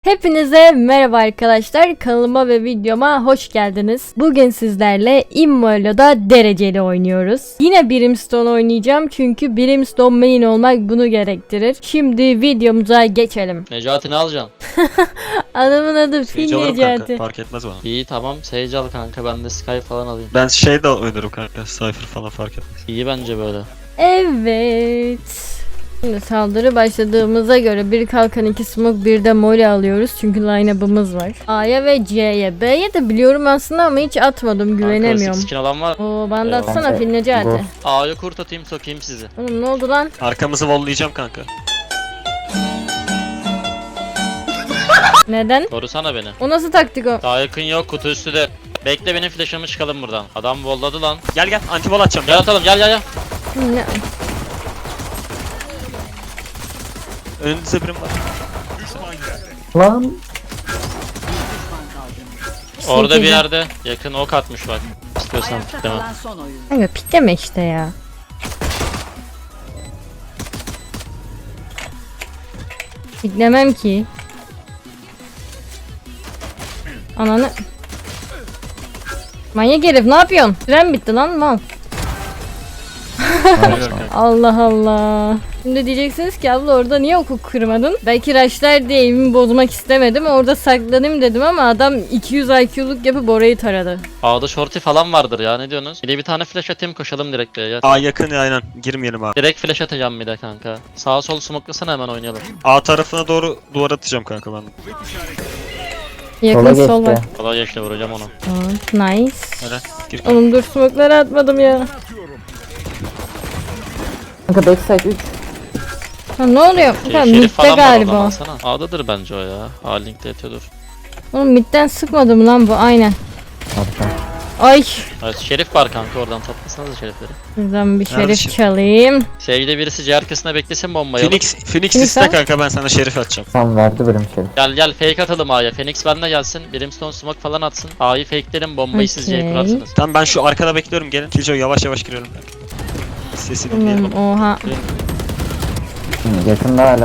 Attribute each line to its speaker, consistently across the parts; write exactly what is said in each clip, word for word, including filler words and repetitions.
Speaker 1: Hepinize merhaba arkadaşlar, kanalıma ve videoma hoş geldiniz. Bugün sizlerle Immolo'da dereceli oynuyoruz. Yine Brimstone oynayacağım çünkü Brimstone main olmak bunu gerektirir. Şimdi videomuza geçelim.
Speaker 2: Necati ne alacaksın?
Speaker 1: Adamın adı Fil
Speaker 3: Sage alırım
Speaker 1: Necati.
Speaker 3: kanka, fark etmez bana.
Speaker 2: İyi tamam Sage al kanka, ben de Sky falan alayım.
Speaker 3: Ben şey de oynarım kanka, Cypher falan fark etmez.
Speaker 2: İyi bence böyle.
Speaker 1: Evet. Şimdi saldırı başladığımıza göre bir kalkan, iki smoke, bir de mole alıyoruz çünkü line-up'ımız var. A'ya ve C'ye. B'ye de biliyorum aslında ama hiç atmadım, güvenemiyorum.
Speaker 2: Kanka skin alan var.
Speaker 1: Oo, bana da
Speaker 2: Eyvallah.
Speaker 1: atsana Fil Necati.
Speaker 2: A'yı kurt atayım, sokayım sizi.
Speaker 1: Oğlum ne oldu lan?
Speaker 3: Arkamızı vollayacağım kanka.
Speaker 1: Neden?
Speaker 2: Korusana beni.
Speaker 1: O nasıl taktik o?
Speaker 2: Daha yakın yok, kutu üstüde. Bekle benim flash'ımı, çıkalım buradan. Adam volladı lan.
Speaker 3: Gel gel, anti vol atacağım
Speaker 2: Gel
Speaker 3: gel.
Speaker 2: atalım, gel gel gel.
Speaker 1: Ne?
Speaker 3: Önünüzde birim var.
Speaker 4: Lan
Speaker 2: Orada bir
Speaker 1: Sekiz.
Speaker 2: yerde yakın ok atmış bak. İstiyorsan pikleme.
Speaker 1: Kanka pikleme işte ya. Piklemem ki. Ananı. Manyak herif ne yapıyorsun? Süren bitti lan mal. Allah Allah. Şimdi diyeceksiniz ki abla orada niye oku kırmadın? Belki rushlar diye evimi bozmak istemedim. Orada saklanayım dedim ama adam iki yüz I Q'luk yapıp orayı taradı.
Speaker 2: A'da shorty falan vardır ya, ne diyorsunuz? Bir de bir tane flash atayım, koşalım direkt B'ye.
Speaker 3: A yakın ya, aynen, girmeyelim abi.
Speaker 2: Direkt flash atacağım bir de kanka. Sağa sol smoke'lasana, hemen oynayalım.
Speaker 3: A tarafına doğru duvar atacağım kanka ben.
Speaker 1: Yakın
Speaker 4: sola
Speaker 1: sol var.
Speaker 4: geçti.
Speaker 2: Kolay geçti, vuracağım onu.
Speaker 1: Aa, nice.
Speaker 3: Öyle gir.
Speaker 1: Oğlum dur smoke'ları atmadım ya.
Speaker 4: Kanka backside üç.
Speaker 1: Ha, ne oluyor?
Speaker 2: Şey,
Speaker 1: Kanka
Speaker 2: Şerif
Speaker 1: midde
Speaker 2: falan var oradan,
Speaker 1: galiba.
Speaker 2: alsana. A'dadır bence o ya. A linkte yatıyordur.
Speaker 1: Oğlum midden sıkmadı mı lan bu? Aynen.
Speaker 4: Arka.
Speaker 1: Ay.
Speaker 2: Evet, Şerif var kanka, oradan toplasanız Şerifleri.
Speaker 1: Buradan bir
Speaker 3: Nerede
Speaker 1: şerif
Speaker 3: şerif?
Speaker 1: çalayım.
Speaker 2: Sevgili birisi C arkasına beklesin bombayı. alıp.
Speaker 3: Phoenix, Phoenix
Speaker 1: Phoenix
Speaker 3: iste
Speaker 1: ha?
Speaker 3: kanka, ben sana şerif atacağım.
Speaker 4: Tam verdi benim şey.
Speaker 2: Gel gel fake atalım A'ya. Phoenix benimle gelsin. Brimstone smoke falan atsın. A'yı fakelerim, bombayı siz C'ye
Speaker 1: Okey.
Speaker 2: kurarsınız.
Speaker 3: Tamam, ben şu arkada bekliyorum, gelin. Killjoy yavaş yavaş girelim kanka. Sesini dinleyelim.
Speaker 1: Oğlum oha.
Speaker 4: Hı, yakında hala.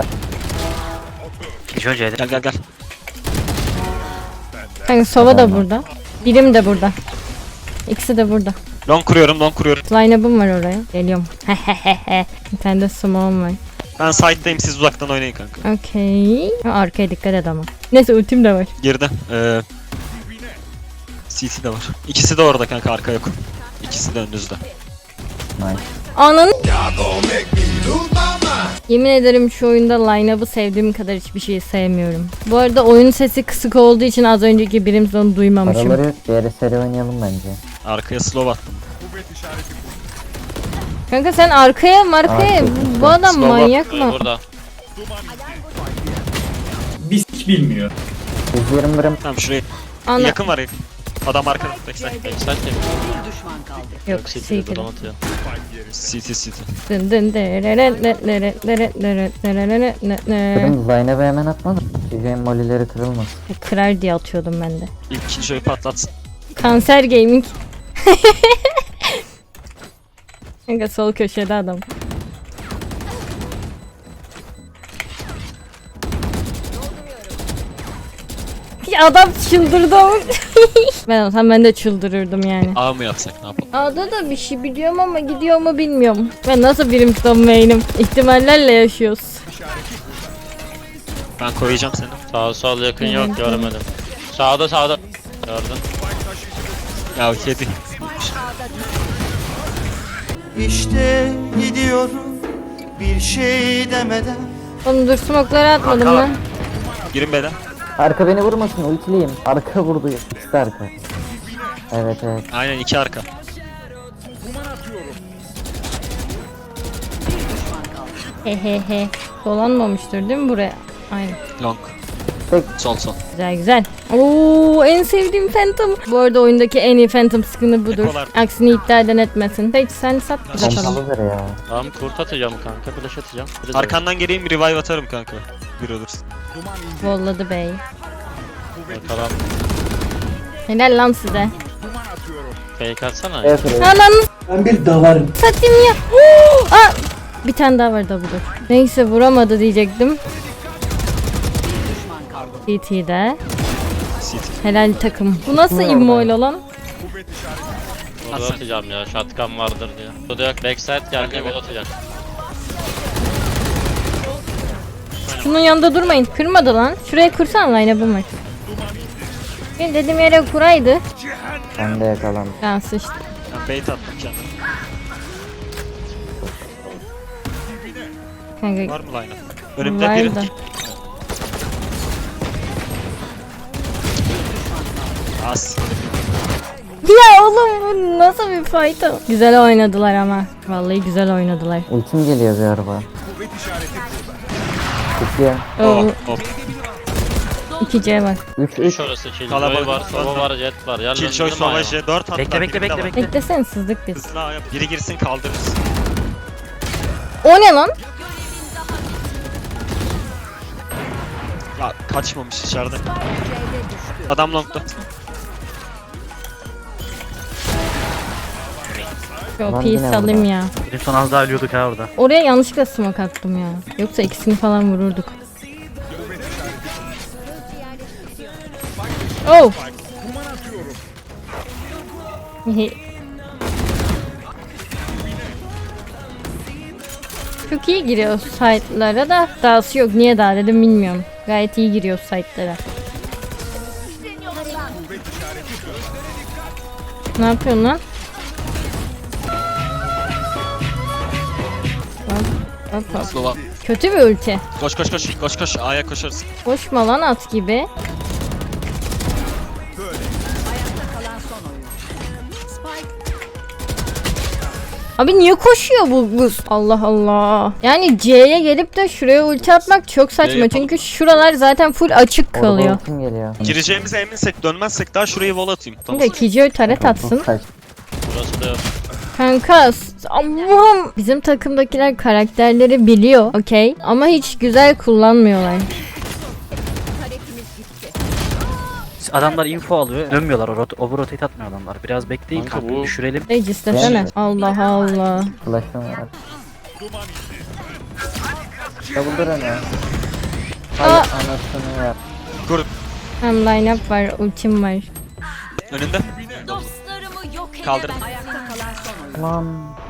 Speaker 3: Gel gel gel.
Speaker 1: Kanka Sova da burada. Birim de burada. İkisi de burada.
Speaker 3: Long kuruyorum, long kuruyorum.
Speaker 1: Line-up'ım var oraya. Geliyorum. Hehehehe. Bir tane de smoke'um var.
Speaker 3: Ben side'dayım, siz uzaktan oynayın kanka.
Speaker 1: Okey. Ha, arkaya dikkat et ama. Neyse ultim de var.
Speaker 3: Girdi. Ee, C T de var. İkisi de orada kanka, arka yok. İkisi de önünüzde.
Speaker 4: Nice.
Speaker 1: Ananı. Yemin ederim şu oyunda line-up'ı sevdiğim kadar hiçbir şeyi sevmiyorum. Bu arada oyun sesi kısık olduğu için az önceki Brimstone'u duymamışım.
Speaker 4: Paraları yok. Diğeri seri oynayalım bence.
Speaker 3: Arkaya slow attım.
Speaker 1: Kanka sen arkaya markaya
Speaker 4: Arkaya.
Speaker 1: bu, bu adam
Speaker 3: Slova.
Speaker 1: manyak
Speaker 2: Burada,
Speaker 1: mı?
Speaker 2: burada.
Speaker 5: Biz hiç bilmiyor.
Speaker 4: yüz yirmi birim.
Speaker 3: Tamam, şuraya.
Speaker 1: Ana
Speaker 3: Yakın var yakın. Adam arkada. Backside.
Speaker 2: Backside temiz.
Speaker 1: yok
Speaker 2: City'de
Speaker 1: secret.
Speaker 2: drone atıyor.
Speaker 3: C T C T.
Speaker 1: Dın dın dırırı nı nırı nırı nırı nırı nı nı.
Speaker 4: Birim Zaynep'e hemen atmadım. Gecenin molileri kırılmasın.
Speaker 1: Kırar diye atıyordum ben de.
Speaker 3: İlk Killjoy'u patlatsın.
Speaker 1: Kanser gaming. Kanka sol köşede adam. Ya adam çıldırdı ama. Ben olsam ben de çıldırırdım yani.
Speaker 3: A mı yapsak, ne yapalım?
Speaker 1: A'da da bir şey biliyorum ama gidiyor mu bilmiyorum. Ben nasıl Brimstone main'im? İhtimallerle yaşıyoruz.
Speaker 3: Ben koyacağım seni.
Speaker 2: Sağ sol yakın yok, görmedim. Sağda sağda. Gördün.
Speaker 3: Ya kedi.
Speaker 6: İşte gidiyorum bir şey demeden.
Speaker 1: Oğlum dur smoke'ları atmadım
Speaker 3: Kanka.
Speaker 1: lan.
Speaker 3: Girin beden.
Speaker 4: Arka beni vurmasın, ultiliyim. Arka vurdu. İkisi de arka. Evet evet.
Speaker 3: Aynen, iki arka.
Speaker 1: Hehehe. Dolanmamıştır değil mi buraya? Aynen.
Speaker 3: Long.
Speaker 4: Tek.
Speaker 3: Sol sol.
Speaker 1: Güzel güzel. Oo en sevdiğim Phantom. Bu arada oyundaki en iyi Phantom skin'i budur.
Speaker 3: Ekolar.
Speaker 1: Aksini iddia eden etmesin. Peki sen sat bir bakalım.
Speaker 4: Pompalıdır ya.
Speaker 2: Tamam, kurt atacağım kanka, flash atacağım. Biri de-
Speaker 3: Arkandan geleyim, revive atarım kanka. Bir olursun.
Speaker 1: Volladı bey.
Speaker 2: Bakalım.
Speaker 1: Helal lan size.
Speaker 2: Fake atsana.
Speaker 4: Evet evet.
Speaker 1: Ananı
Speaker 5: Ben bir davarım.
Speaker 1: satayım ya. Oo, aa, bir tane daha var da budur. Neyse vuramadı diyecektim. C T'de.
Speaker 3: C T.
Speaker 1: Helal takım. Bu nasıl
Speaker 4: Kim
Speaker 1: immoyle lan?
Speaker 2: Burada atacağım ya. Shotgun vardır diye. Burada yok. Backside geldi. Bol atacak.
Speaker 1: Şunun yanında durmayın. Kırmadı lan. Şuraya kursan line bu maç. Benim dediğim yere kuraydı.
Speaker 4: Ben de yakalandım.
Speaker 1: Ben sıçtım.
Speaker 3: Ben bait attım kendime.
Speaker 1: Kanka
Speaker 3: Var mı line? Önümde
Speaker 1: var
Speaker 3: biri.
Speaker 1: da.
Speaker 3: Az.
Speaker 1: Ya oğlum bu nasıl bir fight o? Güzel oynadılar ama. Vallahi güzel oynadılar.
Speaker 4: Ultim geliyor bir araba. Çıkıyor.
Speaker 1: Oo,
Speaker 3: Oh, hop.
Speaker 1: iki C var.
Speaker 4: üç
Speaker 2: üç
Speaker 4: üç.
Speaker 2: orası. Killjoy
Speaker 3: Kalabalık.
Speaker 2: var. Sova var. Jet var. Yerlerinde
Speaker 3: Killjoy,
Speaker 2: mi
Speaker 3: Sova,
Speaker 2: ayağı?
Speaker 3: J dört hatta.
Speaker 7: Bekle, bekle,
Speaker 3: birinde
Speaker 7: bekle,
Speaker 3: var.
Speaker 7: bekle.
Speaker 1: Beklesene sızdık biz.
Speaker 3: Hızlı ayağa. Biri girsin kaldırırız.
Speaker 1: O ne lan?
Speaker 3: Ya kaçmamış içeride. Adam long'da.
Speaker 1: Yo
Speaker 4: Lan
Speaker 1: P'yi
Speaker 4: yine
Speaker 1: salayım
Speaker 4: orada.
Speaker 1: ya.
Speaker 7: Bir son az daha ölüyorduk ha orada.
Speaker 1: Oraya yanlışlıkla smoke attım ya. Yoksa ikisini falan vururduk. Oh! Hehe. Çok iyi giriyor site'lara da dahası yok. Niye daha dedim bilmiyorum. Gayet iyi giriyor site'lara. Ne yapıyorsun lan? Hop, hop, hop.
Speaker 3: Slova.
Speaker 1: Kötü bir ulti.
Speaker 3: Koş koş koş. Koş koş. A'ya koşarız.
Speaker 1: Koşma lan at gibi. Abi niye koşuyor bu kız? Allah Allah. Yani C'ye gelip de şuraya ulti atmak çok saçma.
Speaker 3: yapalım.
Speaker 1: Çünkü şuralar zaten full açık
Speaker 4: Orada
Speaker 1: kalıyor.
Speaker 4: ultim geliyor.
Speaker 3: Gireceğimize eminsek dönmezsek daha şurayı wall atayım. Tamam.
Speaker 1: Kanka Kijoy taret atsın.
Speaker 4: Kaç.
Speaker 2: Burası da yok.
Speaker 1: Kanka s- Allah'ım. Bizim takımdakiler karakterleri biliyor. Okey. Ama hiç güzel kullanmıyorlar.
Speaker 7: Adamlar info alıyor. Dönmüyorlar. O rot over rotate atmıyor adamlar. Biraz bekleyin
Speaker 2: Kanka
Speaker 7: kanka.
Speaker 2: bu-
Speaker 7: Düşürelim.
Speaker 1: Regis desene. Allah Allah.
Speaker 4: Flash'ım var. Double öne. Hay
Speaker 1: Aa.
Speaker 4: anasını ya.
Speaker 3: Kur.
Speaker 1: Hem line up var, ultim var.
Speaker 3: Önünde.
Speaker 8: Dostlarımı yok
Speaker 3: Kaldırın.
Speaker 4: Lan.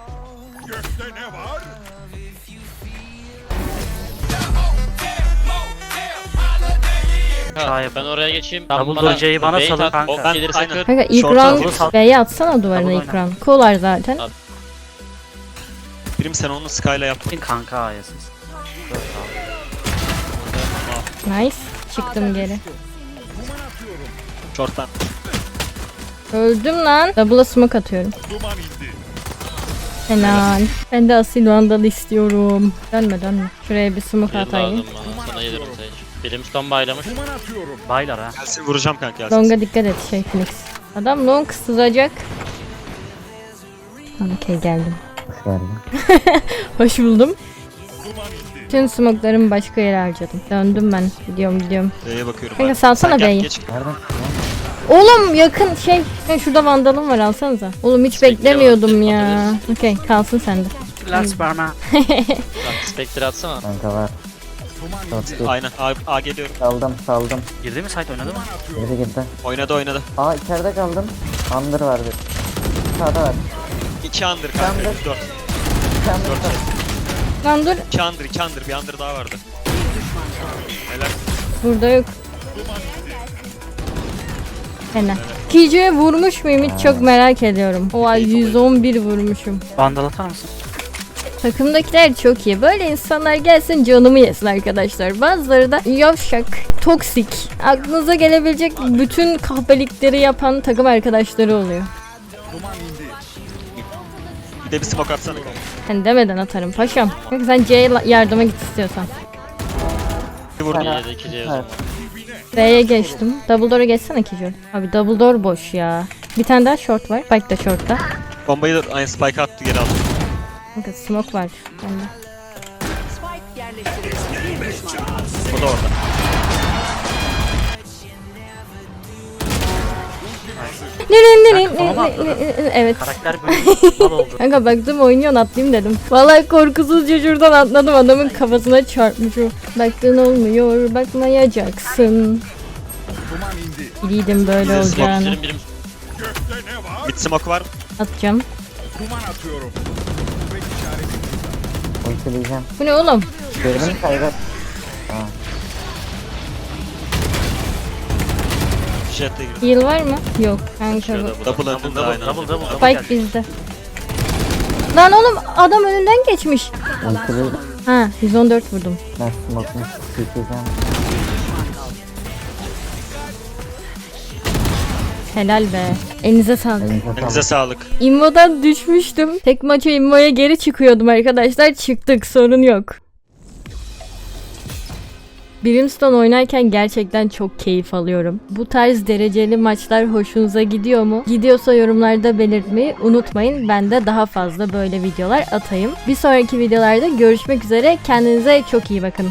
Speaker 7: Sağ yap.
Speaker 2: Ben oraya geçeyim.
Speaker 7: Double door C'yi bana
Speaker 2: bait
Speaker 7: salın
Speaker 2: at,
Speaker 7: kanka.
Speaker 2: ok
Speaker 3: Ben-
Speaker 2: gelirse
Speaker 3: aynen.
Speaker 2: kır.
Speaker 1: Kanka ilk
Speaker 3: Short
Speaker 1: round
Speaker 3: aldım.
Speaker 1: B'ye atsana duvarına
Speaker 7: Double
Speaker 1: ilk round. Kolar zaten.
Speaker 2: Al.
Speaker 3: Birim sen onu Sky'la yap.
Speaker 7: Kanka ayasız.
Speaker 1: Nice. Çıktım geri.
Speaker 3: Short'tan.
Speaker 1: Öldüm lan. Double'a smoke atıyorum. Helal. Ben de asil vandal istiyorum. Dönme dönme. Şuraya bir smoke
Speaker 2: Bir
Speaker 1: atayım.
Speaker 2: lazım bana. Sana yedirim Sage. Brimstone baylamış.
Speaker 7: Baylar ha.
Speaker 3: Gelsin vuracağım kanka gelsin.
Speaker 1: Long'a dikkat et şey Phoenix. Adam long sızacak. Okey geldim.
Speaker 4: Hoş geldin.
Speaker 1: Hoş buldum. Tüm smoke'larımı başka yere harcadım. Döndüm ben. Gidiyorum gidiyorum.
Speaker 3: B'ye bakıyorum.
Speaker 1: Kanka
Speaker 3: abi.
Speaker 1: salsana
Speaker 3: Sen gel,
Speaker 1: B'yi.
Speaker 3: geç.
Speaker 4: Nereden?
Speaker 1: Oğlum yakın şey. Ben şurada vandalım var alsanıza. Oğlum hiç
Speaker 2: Spectre
Speaker 1: beklemiyordum
Speaker 2: var,
Speaker 1: ya. Okey kalsın sende.
Speaker 7: Last Barma.
Speaker 2: Spectre atsana.
Speaker 4: Kanka var. Short bir.
Speaker 3: Aynen. A, A geliyorum.
Speaker 4: Saldım saldım.
Speaker 7: Girdi mi site oynadı mı?
Speaker 4: Geri girdi.
Speaker 3: Oynadı oynadı.
Speaker 4: Aa içeride kaldım. Under var bir. Sağda var.
Speaker 3: iki under kanka.
Speaker 4: Under.
Speaker 3: dört.
Speaker 4: İki under.
Speaker 1: Lan dur.
Speaker 3: iki under, iki under. Bir under daha vardı. Helal.
Speaker 1: Burada yok. Helal. Kijo'ya vurmuş muyum hiç çok merak ediyorum. Oha yüz on bir vurmuşum.
Speaker 7: Vandal atar mısın?
Speaker 1: Takımdakiler çok iyi. Böyle insanlar gelsin canımı yesin arkadaşlar. Bazıları da yavşak, toksik. Aklınıza gelebilecek bütün kahpelikleri yapan takım arkadaşları oluyor.
Speaker 3: Bir de bir smoke atsana kanka.
Speaker 1: Hani demeden atarım paşam. Kanka sen C'ye la- yardıma git istiyorsan.
Speaker 3: Bir vurdum.
Speaker 4: Sana-
Speaker 2: yedi iki C o
Speaker 4: Evet.
Speaker 2: zaman.
Speaker 1: B'ye geçtim. Double door'a geçsene Kijo. Abi double door boş ya. Bir tane daha short var. Spike de short'ta.
Speaker 3: Bombayı da aynı spike attı geri aldı.
Speaker 1: Kanka smoke var. Bende.
Speaker 3: O da orada.
Speaker 1: Ne Evet.
Speaker 7: Karakter böyle mal oldu.
Speaker 1: Kanka baktım oynuyorsun atlayayım dedim. Vallahi korkusuzca şuradan atladım, adamın kafasına çarpmışım. Baktın olmuyor, bakmayacaksın. Biliydim böyle
Speaker 3: Bize smoke
Speaker 1: olacağını.
Speaker 2: Birim birim.
Speaker 3: Mid smoke var.
Speaker 1: Atacağım.
Speaker 4: Ultileyeceğim.
Speaker 1: Bu ne oğlum?
Speaker 4: Gördün mü kaybet?
Speaker 3: Jet'e giriyor.
Speaker 1: Heal var mı? Yok kanka.
Speaker 2: Şurada
Speaker 1: bu.
Speaker 2: bu.
Speaker 3: Double
Speaker 7: Double
Speaker 3: önünde
Speaker 7: double
Speaker 3: aynen.
Speaker 7: double double. double
Speaker 1: Spike
Speaker 7: geldi.
Speaker 1: bizde. Lan oğlum adam önünden geçmiş.
Speaker 4: Ultileyeceğim.
Speaker 1: Ha yüz on dört vurdum.
Speaker 4: Ben smoke'unu sileceğim.
Speaker 1: Helal be. Elinize sağlık.
Speaker 4: Elinize
Speaker 3: Elinize
Speaker 4: sağlık.
Speaker 3: sağlık.
Speaker 1: İmmo'dan düşmüştüm. Tek maça İmmo'ya geri çıkıyordum arkadaşlar. Çıktık, sorun yok. Brimstone oynarken gerçekten çok keyif alıyorum. Bu tarz dereceli maçlar hoşunuza gidiyor mu? Gidiyorsa yorumlarda belirtmeyi unutmayın. Ben de daha fazla böyle videolar atayım. Bir sonraki videolarda görüşmek üzere. Kendinize çok iyi bakın.